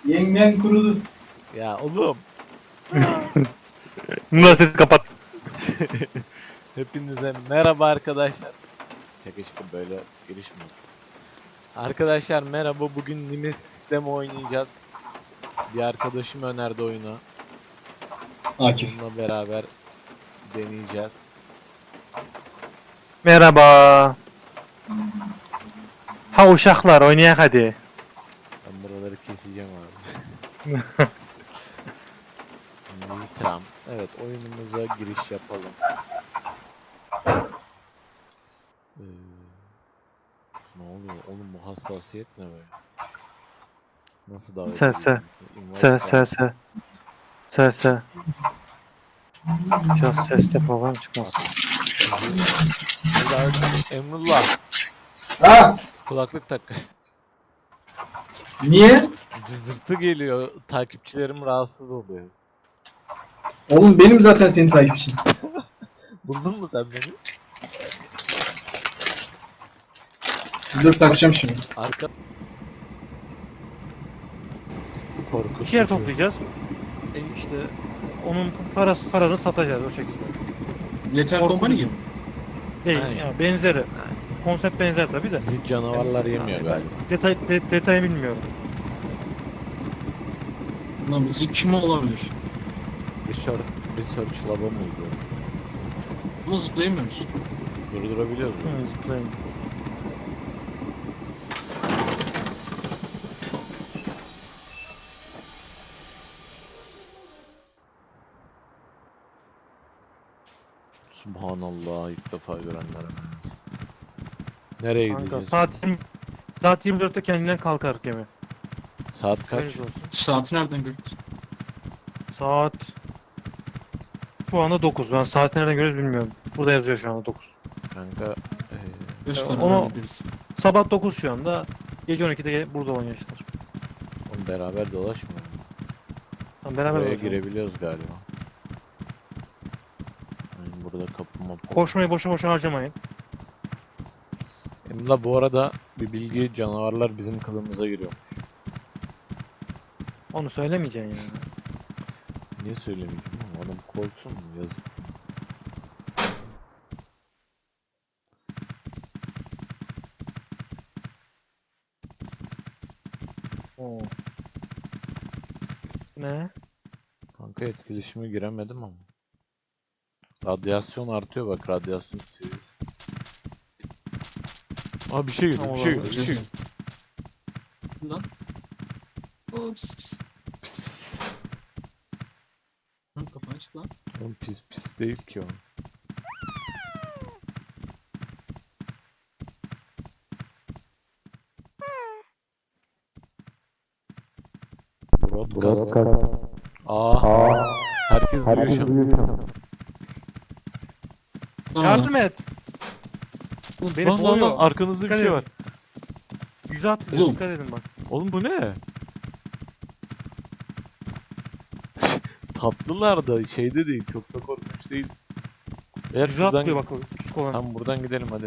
Yengen kurudu. Ya oğlum. Bunlar sesi kapat. Hepinize merhaba arkadaşlar. Şaka böyle giriş mi? Arkadaşlar merhaba. Bugün Nemesis demo oynayacağız. Bir arkadaşım önerdi oyunu. Akif. Onunla beraber deneyeceğiz. Merhaba. Ha uşaklar oynayak hadi. Ben buraları keseceğim abi. Nitram. Evet, oyunumuza giriş yapalım. Ne oluyor? Oğlum bu hassasiyet ne böyle? Nasıl davet Se. ediyorum? Se Invite se se. Se se. Biraz ses de program çıkmaz. Emrullah. Ha? Kulaklık tak. Niye? Cızırtı geliyor. Takipçilerim rahatsız oluyor. Oğlum benim zaten senin takipçin. Buldun mu sen beni? Dur takacağım şimdi. Arka... Korkunç. İki yer toplayacağız. İşte onun paranı satacağız o şekilde. Yeter Korkunç. Company gibi. Değil Aynen. yani benzeri. Konsept benzer tabii de. Bizi canavarlar yemiyor galiba. Detayı bilmiyorum. Lan bizi kim olabilir? Research lab'a mı oluyor? Ama zıplayamıyoruz. Durdurabiliyoruz mu? Zıplayın. Subhanallah, ilk defa görenler. Nereye Kanka gideceğiz? saat 24'te kendinden kalkar gemi. Saat kaç? Haberiniz olsun. Saati nereden gördük? Saat şu anda 9. Ben saati nereden görüyoruz bilmiyorum. Burada yazıyor şu anda 9. Kanka Göz Ya kararı onu- biliriz. Sabah 9 şu anda. Gece 12'de burada oynuyorlar. oğlum beraber dolaşmıyor. Tamam beraber Buraya olacağız. girebiliyoruz galiba. Yani burada kapıma... Koşmayı boşa boşa harcamayın. Emla bu arada bir bilgi, canavarlar bizim kılımıza giriyor. Onu söylemeyeceksin ya. Niye söylemeyeceğim oğlum? Adam korksun mu? Yazık. Oo. Ne? Kanka etkileşime giremedim ama. Radyasyon artıyor bak, radyasyon seviyesi. Aa bir şey geliyor, Tamam, bir şey olabilir. geliyor, bir şey geliyor. Lan. Oo pis pis. Pis pis pis. Lan kafanı açık lan. Oğlum pis pis değil ki o. Broadcast. Aa. Herkes duyuyor şu an. Lan Yardım et. Oğlum beni Lan lan lan kovuyor. arkanızda bir Dikkat şey edin. var. Yüze atlıyor. Oğlum. Dikkat edin bak. Oğlum bu ne? Tatlılar da şeyde değil, çok da korkunç değil. Eğer Yüze şuradan atlıyor bak o küçük olan. tam buradan gidelim hadi.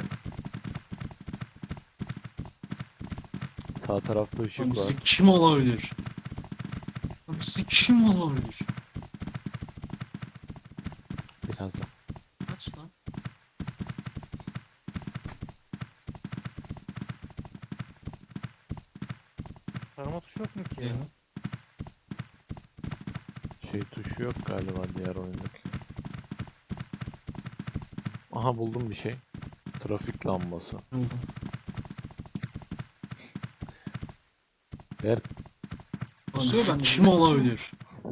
Sağ tarafta Lan ışık var. bizi kim olabilir? Lan bizi kim olabilir? Birazdan. Aç lan. Tarama tuşu yok mu ki ya? Ya. Şey tuşu yok galiba diğer oyundaki. Aha buldum bir şey. Trafik lambası. Ne oldu? Eğer Basıyor ben. Kim olabilir?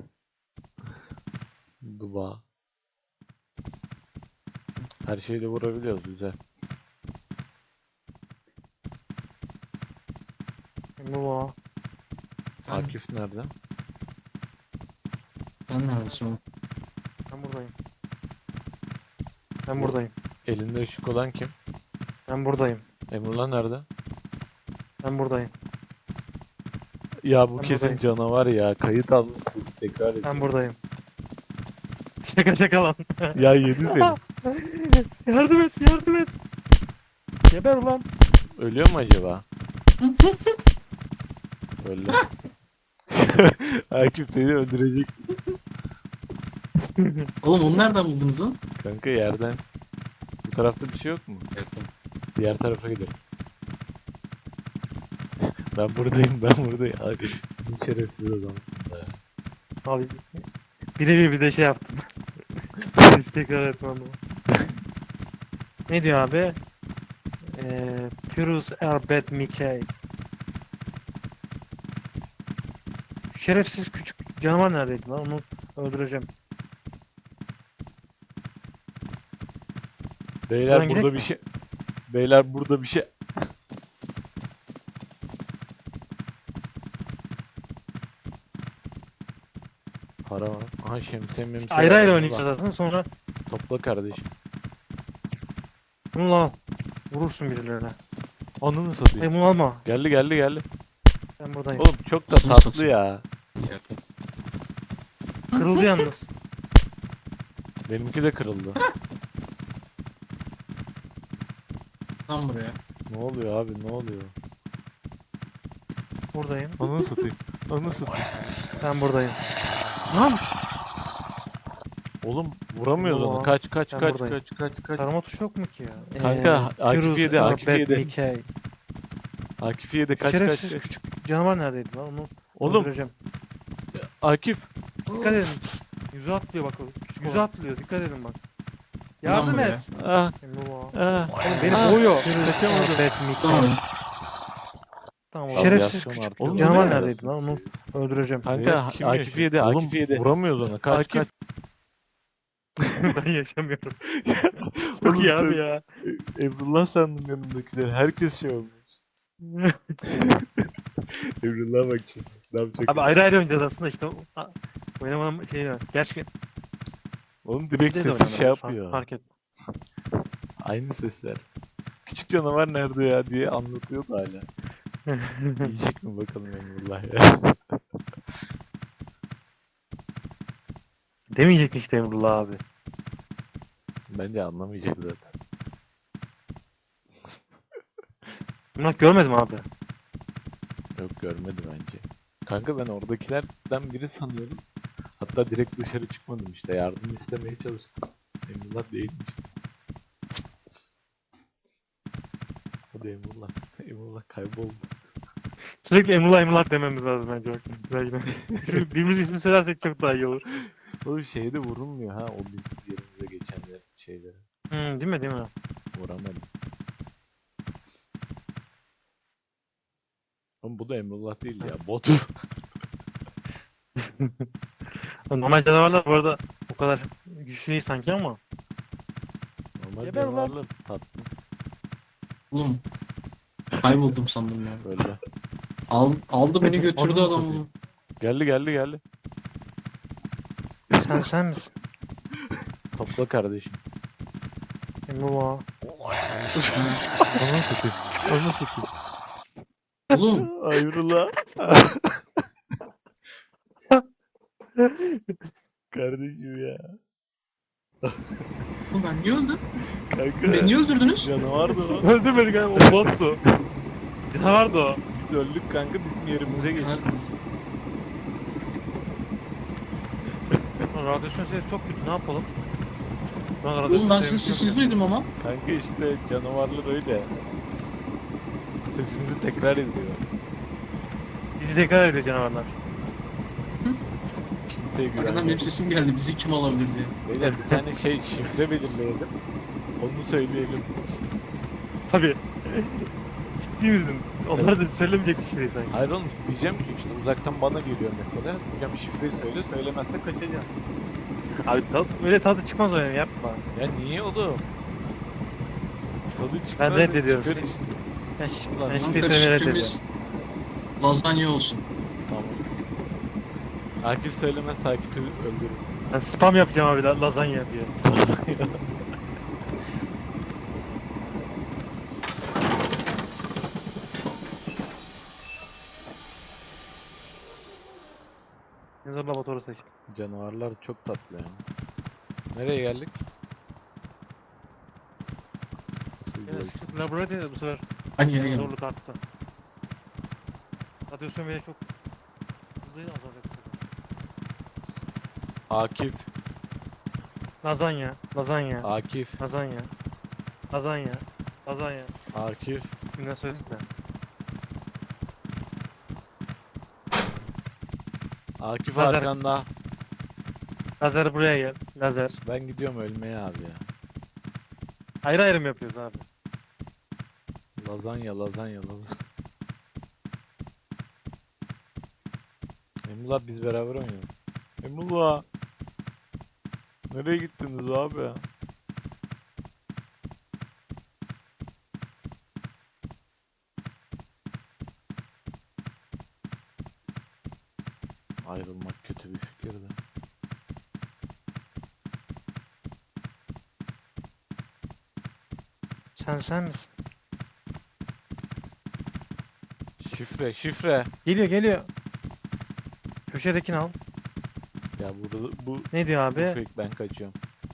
duba. Her şeyi de vurabiliyoruz, güzel. Bu Akif nerede? Sen neredesin oğlum? Ben buradayım. Ben buradayım. Elinde ışık olan kim? Ben buradayım. Emrullah nerede? Ben buradayım. Ya bu Ben kesin buradayım. canavar ya. Kayıt almışsınız, tekrar edin. Ben buradayım. Şaka lan. Ya yedi seni. Yardım et, yardım et. Geber ulan. Ölüyor mu acaba? Öldü. Akif seni öldürecek. Oğlum onu nereden buldunuz lan? Kanka yerden. Bu tarafta bir şey yok mu? Diğer tarafa gidelim. Ben buradayım, ben buradayım. Ay, ne şerefsiz adamsın be. Abi birebir bir de şey yaptım. Hiç tekrar etmem ama. Ne diyor abi? Pyrrhus Erbet Mickey. Şerefsiz küçük canavar neredeydi lan? Onu öldüreceğim. Beyler Buradan burada gidek bir mi? şey... Beyler burada bir şey... Para var. Aha şemsiye memsiye Ayrı var. ayrı Onu oynayacağız da aslında sonra topla kardeşim. bunu al. Vurursun birilerine. Anını satayım. Hayır bunu alma. Geldi geldi geldi. Ben buradayım. Oğlum çok da Nasıl tatlı satayım? ya. Kırıldı yalnız. Benimki de kırıldı. Tam buraya. Ne oluyor abi ne oluyor? Buradayım. Anını satayım. Anını satayım. Ben buradayım. Lan! Oğlum vuramıyoruz Yo, onu. Kaç kaç ben kaç buradayım. kaç. Tarama tuşu yok mu ki ya? Kanka, Akif Pyrrhus yedi, Akif Erbet yedi. Mickey. Akif yedi kaç Şerefsiz kaç. küçük canavar neredeydi lan? Onu Oğlum öldüreceğim. Akif. Dikkat edin. Yüzü atlıyor bak o. Yüzü Oğlum. atlıyor. Dikkat edin bak. Lan Yardım buraya. et. Ah Emrullah. ah. Oğlum beni Ah, boğuyor. kaçamadım. Erbet Mickey. Tamam. Tamam. Abi Şerefsiz yapsana küçük artık. Oğlum, canavar bu ne? neredeydi lan? Onu öldüreceğim. Kanka Akif yedi Akif yedi. Vuramıyoruz ona. Kaç kaç. Ben yaşamıyorum. Çok iyi abi ya. Emrullah sandım yanımdakiler. Herkes şey olmuş. Emrullah bak şimdi. Ne yapacak? Abi ayrı ayrı oynayacağız aslında işte. Oynamanın şeyi var. Gerçi Oğlum direkt bir de sesi şey oynanabilir, yapıyor. Fark et. Aynı sesler. Küçük canavar nerede ya diye anlatıyordu hala. Yiyecek mi bakalım Emrullah ya. Demeyecektin işte Emrullah abi. Bence anlamayacak zaten. Emrullah görmedim abi. Yok görmedi bence. Kanka ben oradakilerden biri sanıyordum. Hatta direkt dışarı çıkmadım işte. Yardım istemeye çalıştım. Emrullah değilmiş. Hadi Emrullah. Emrullah kayboldu. Sürekli Emrullah Emrullah dememiz lazım bence. Bak. Güzel yine. Birbirimiz ismini söylersek çok daha iyi olur. Oğlum şeyde vurulmuyor ha. O bizim yerimize geçen şeyleri. Değil mi değil mi? Vuramadım. Oğlum bu da Emrullah değil ya. Bot. Normal canavarlar bu arada o kadar güçlü değil sanki ama. Normal Geber ulan. canavarlar tatlı. Oğlum. Kayboldum sandım ya. Böyle. Aldı beni götürdü Ananı adam. satayım. Geldi geldi geldi. Sen misin? Topla kardeşim. Emrullah. Ananı satayım. Ananı satayım. Oğlum. Ay Emrullah. Kardeşim ya. Oğlum ben niye öldüm? Kanka. Beni niye öldürdünüz? Canavardı o. Öldürmedik abi o bottu. Canavardı o. Biz öldük kanka bizim yerimize geçti. Kahretmesin. Radyasyon sesi çok kötü ne yapalım? Oğlum ben sizin sesinizi duydum ama. Kanka işte canavarlar öyle. Sesimizi tekrar ediyor. Bizi tekrar ediyor canavarlar. Kimseye Arkadan güvenmiyor. benim sesim geldi. Bizi kim alabilir diye. Beyler bir tane şey şifre belirleyelim. Onu söyleyelim. Tabii. Ciddi misin? Onlar da söylemeyecek bir şey sanki. Hayır oğlum diyeceğim ki işte uzaktan bana geliyor mesela. Diyeceğim şifreyi söyle söylemezse kaçacağım. Abi öyle tadı çıkmaz o yani yapma. Ya niye oğlum? Tadı çıkmaz. Ben reddediyorum. Çıkar işte. Ben Lan, hiçbir Kanka sene reddediyorum. şifremiz lazanya olsun. Tamam. Akif söylemezse Akif'i öldürürüm. Ben spam yapacağım abi lazanya diye. Yazar laboratuvarı seç. Canavarlar çok tatlı yani. Nereye geldik? Nasıl Evet, geldik? sıkıntı laboratuvarda bu sefer Hani yere geldim. zorluk arttı. Radyasyon bile çok Hızlıyı azalıyor. Akif. Lazanya. Lazanya. Akif. Lazanya. Lazanya. Lazanya. Akif. Ne söyleyeyim de. Akif Lazer. arkanda. Lazer buraya gel. Lazer. Ben gidiyorum ölmeye abi ya. Ayrı ayrı mı yapıyoruz abi? Lazanya, lazanya, lazanya. Emrullah biz beraber oynayalım. Emrullah. Nereye gittiniz abi ya? Ayrılmak kötü bir fikirdi. Sen misin? Şifre, şifre. Geliyor. Köşedekini al. Ya burada bu Ne diyor bu abi? fake, ben kaçıyorum.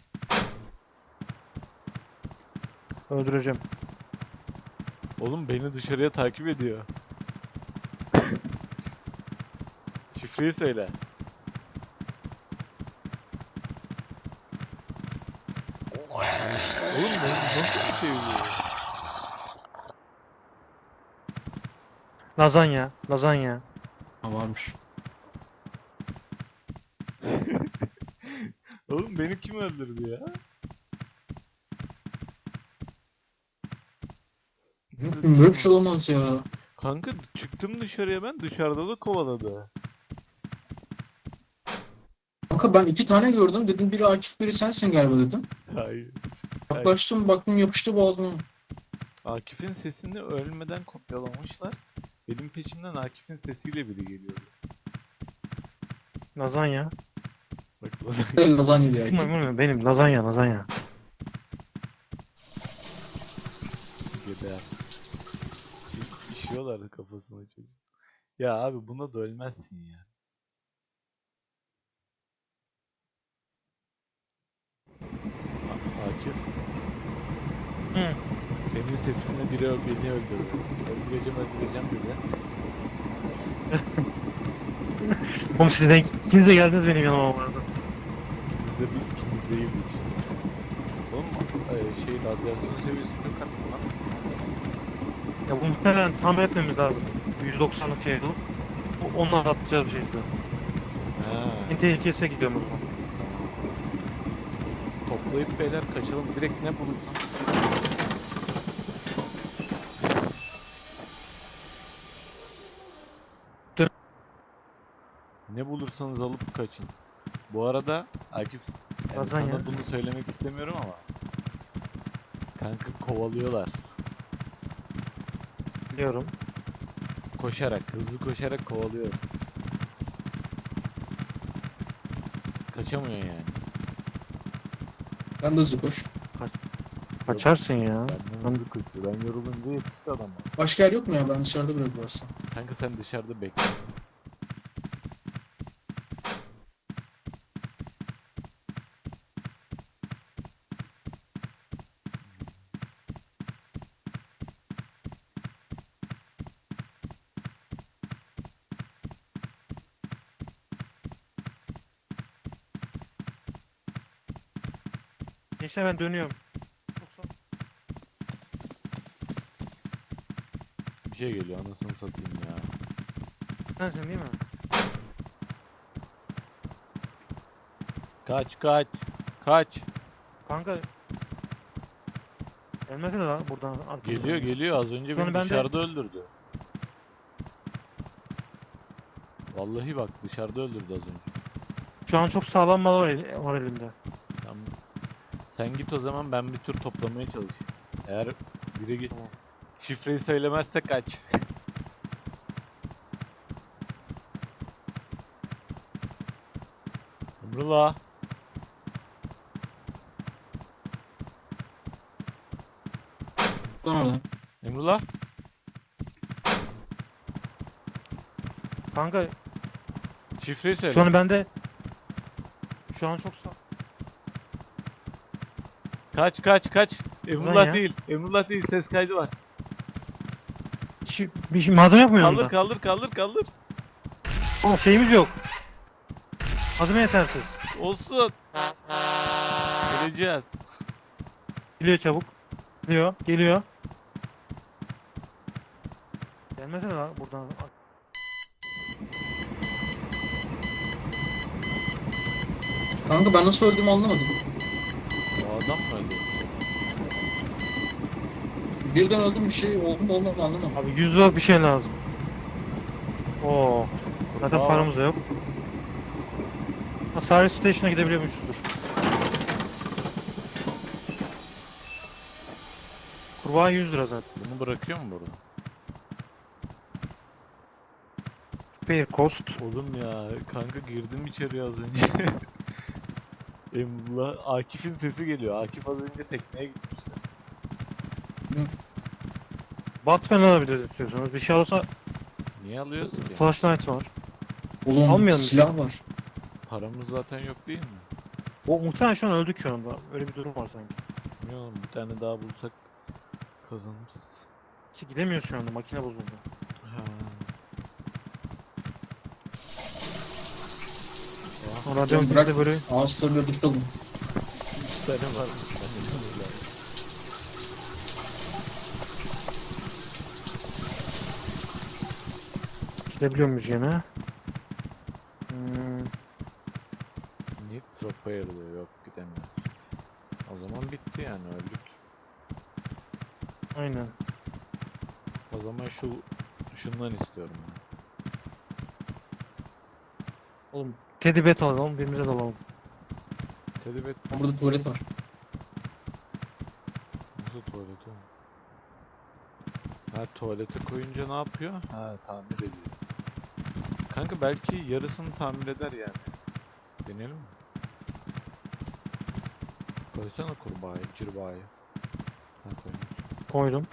Öldüreceğim. Oğlum beni dışarıya takip ediyor. Şifreyi söyle. Oğlum nasıl bir şey bu? Lazanya. Lazanya. Ha, varmış. Oğlum beni kim öldürdü ya? Böyle bir şey olamaz ya. Kanka çıktım dışarıya, ben dışarıda da kovaladı. Kanka ben 2 tane gördüm. Dedim biri Akif biri sensin galiba dedim. Hayır. Yaklaştım baktım yapıştı boğazıma. Akif'in sesini ölmeden kopyalamışlar. Benim peşimden Akif'in sesiyle biri geliyordu. Lazanya. Bak Lazanya diye Akif. Benim lazanya. Geber. İşiyorlardı kafasına çocuk. Ya abi buna da ölmezsin ya. Akif. Hı. Senin sesinle biri beni öldürdü. Öldüreceğim dedi. Oğlum sizden ikiniz de geldiniz benim yanıma bu arada. İkimiz değildik işte. Oğlum radyasyon seviyesi çok arttı lan. Ya bu muhtemelen tamir etmemiz lazım. 190'lık şey olup. Onunla atlatacağız bir şekilde. Ha. En tehlikesine gidiyorum o zaman. Toplayıp beyler kaçalım. Direkt ne bulursam. Dur. Ne bulursanız alıp kaçın. Bu arada Akif, yani Lazanya. sana bunu söylemek istemiyorum ama kanka kovalıyorlar. Biliyorum. Hızlı koşarak kovalıyor. Kaçamıyor yani. Ben de hızlı koş. Kaçarsın ya. Benden hızlı koşuyor. Ben yorulunca yetişti adama. Başka yer yok mu ya? Ben dışarıda bırakırsam. Kanka sen dışarıda bekle. Neyse ben dönüyorum. Yoksa Bir şey geliyor anasını satayım ya. sensin değil mi? Kaç. Kanka gelmedi lan buradan arkamızdan. Geliyor az önce Sonra beni ben de- dışarıda öldürdü. Vallahi bak dışarıda öldürdü az önce. Şu an çok sağlam mal var elimde. Tamam. Sen git o zaman, ben bir tur toplamaya çalışayım. Eğer biri git. Tamam. Şifreyi söylemezse kaç. Emrullah. Lan oradan. Emrullah. Kanka Şifreyi söyle. şu an bende şu an çok sağ. Kaç. Emrullah ya. değil. Emrullah değil. Ses kaydı var. Bir şey, malzeme yok mu yanında? Kaldır. Oğlum şeyimiz yok. Adım yetersiz. Olsun. Göreceğiz. Geliyor çabuk. Geliyor. Geliyor. Gelmesene lan buradan. Kanka ben nasıl öldüğümü anlamadım. O adam mı öldü? Birden öldüm, bir şey oldu mu olmadı mı anlamadım. Abi 100 lira bir şey lazım. Oo. Zaten Kurbağa paramız da yok. Ha, Service Station'a gidebiliyormuşuzdur. Kurbağa 100 lira zaten. Bunu bırakıyor mu burada? Pay cost. Oğlum ya kanka girdim içeri az önce. Emrullah Akif'in sesi geliyor. Akif az önce tekneye gitmişti. Batman alabiliriz istiyorsanız. Bir şey olsa Niye alıyorsun ki? flashlight var. Oğlum Almayalım. silah var. Paramız zaten yok değil mi? O muhtemelen şu an öldük şu anda. Öyle bir durum var sanki. Bilmiyorum bir tane daha bulsak kazanırız. Ki gidemiyoruz şu anda. Makine bozuldu. Ha. Sonra radyonun Bırak. de böyle Ağaçlarla tutalım. 3 tane varmış. Ben de öyle. gidebiliyor muyuz gene? Hmm, Need repair diyor. Yok gidemiyor. O zaman bitti yani öldük. aynen. O zaman şundan istiyorum ben. Oğlum Teddy Bet alalım. Birbirimize dalalım. Telebet Burada tuvalet var. nasıl tuvalet o? Ha tuvalete koyunca ne yapıyor? Ha tamir ediyor. Kanka belki yarısını tamir eder yani. Deneyelim mi? Koysana kurbağayı, cırbağayı. Ha koymuş. Koydum.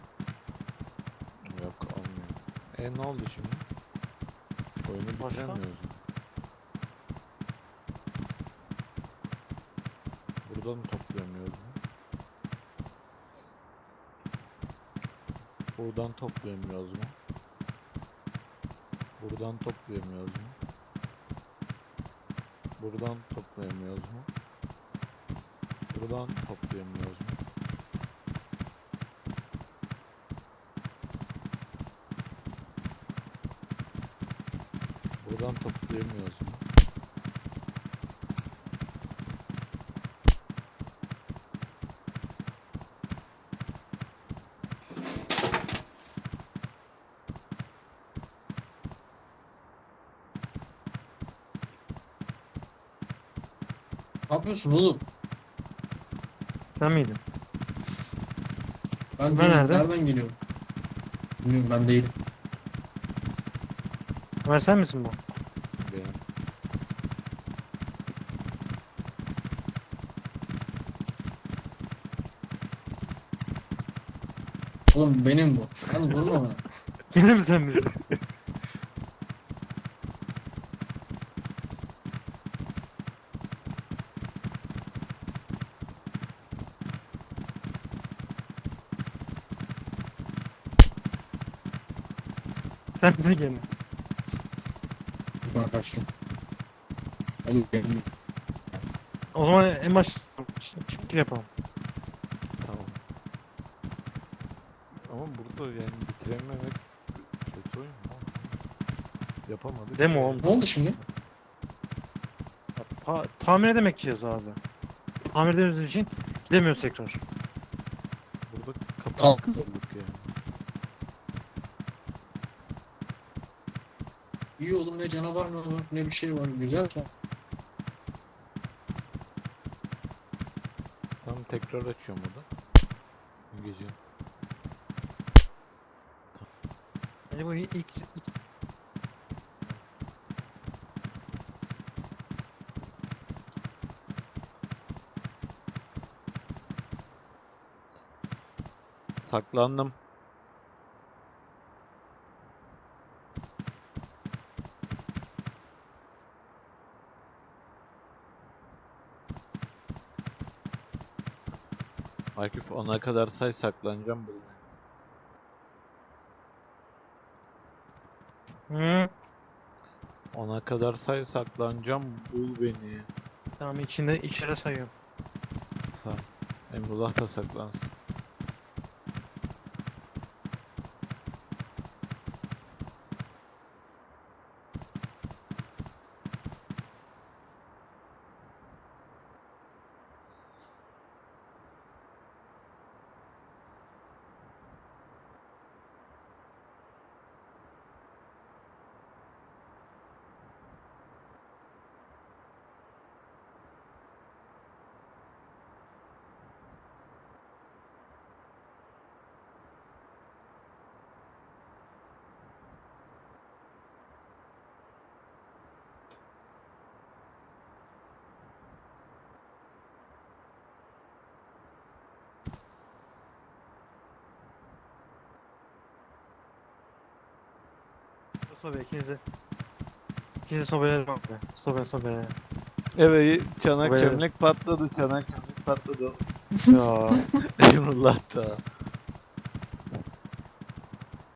Yok olmuyor. Ne oldu şimdi? Oyunu Başka? bitiremiyoruz mu? Buradan toplayamıyoruz mu? Buradan toplayamıyoruz mu? Buradan toplayamıyoruz mu? Buradan toplayamıyoruz mu? Buradan toplayamıyoruz mu? Buradan toplayamıyoruz mu? Ne yapıyorsun oğlum? Sen miydin? Ben Ben değilim. nerede? Nereden geliyorum? Bilmiyorum, ben değilim. Ömer sen misin bu? Benim. Oğlum benim bu. Hadi vurma bana. Gene mi sen misin? Sen misin gene? Bana kaçtım. Hadi gelin. O zaman en baş çık yapalım. Tamam. Ama burada yani bitirememek kötü oyun mu? Yapamadık. Demo oğlum. Ne oldu şimdi? Tamir edemek istiyoruz abi. Tamir edemediğimiz için gidemiyoruz tekrar. Burada Al. kapak kızıldık yani. İyi oğlum, ne canavar ne var ne bir şey var. Güzel. Tam tekrar açıyorum burada. Bu gece. Yani bu ilk Saklandım. Akif ona kadar say saklanacağım burada. Hı. Ona kadar say, saklanacağım, bul beni. Tamam, içeri sayıyorum. Tamam. Emrullah da saklansın. Sobe ikinizi. İkinizi sobeledim abi. Sobe. Evet, çanak Buraya- çömlek patladı, çanak çömlek patladı. Ya. Emrullah da.